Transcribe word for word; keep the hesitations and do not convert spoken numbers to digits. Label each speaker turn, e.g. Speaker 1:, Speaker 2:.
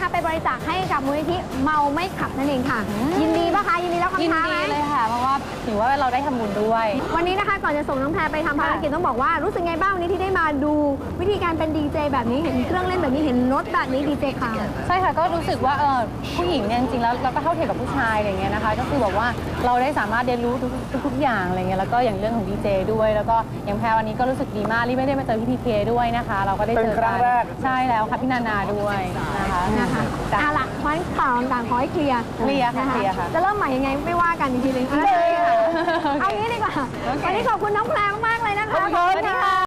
Speaker 1: นะคะไปบริจาคให้กับมูลนิธิเมาไม่ขับนั่นเองค่ะ ยินดีปะคะยินดีแล้วคำ
Speaker 2: ยิน
Speaker 1: ท้าไหม
Speaker 2: ดีเลยค่ะ เพราะว่าถือว่าเราได้ทำบุญด้วย
Speaker 1: วันนี้นะคะก่อนจะส่งน้องแพรไปทำภารกิจต้องบอกว่ารู้สึกไงบ้างวันนี้ที่ได้มาดูวิธีการเป็นดีเจแบบนี้เห็นเครื่องเล่นแบบนี้เห็นรถแบบนี้ดีเจค่ะ
Speaker 2: ใช่ค่ะก็รู้สึกว่าเออผู้หญิงเนี่ยจริงๆแล้วเราก็เท่าเทียมกับผู้ชายอะไรเงี้ยนะคะก็คือแบบว่าเราได้สามารถเรียนรู้ทุกๆทุกๆอย่างอะไรเงี้ยแล้วก็อย่างเรื่องของดีเจด้วยแล้วก็อย่างแพรวันนี้ก็รู้สึกดีมากที่ไม่ได้มาเจอพี่พีเคด้วยนะคะ เราก็ได้เจอ
Speaker 3: เป็นครั้
Speaker 2: กั
Speaker 3: งแรก
Speaker 2: ใช่แล้วค่ะพี่นานาด้วยนะคะ
Speaker 1: นะคะ
Speaker 2: จ้ะ
Speaker 1: เอาล่ะเพราะฉะนั้นข่าวต่างๆขอให้เคลียร์
Speaker 2: เคลียร์ค่ะ
Speaker 1: น
Speaker 2: เคลียร์ค่ะ
Speaker 1: จะเริ่มใหม่ยังไงไม่ว่ากันอีกทีหนึง
Speaker 2: ได้ค่ะ
Speaker 1: เอางี้ดีกว่า
Speaker 2: โอเค
Speaker 1: วันนี้ขอบคุณน้องแพรมากๆเลยนะคะ
Speaker 2: ขอบคุณค่ะ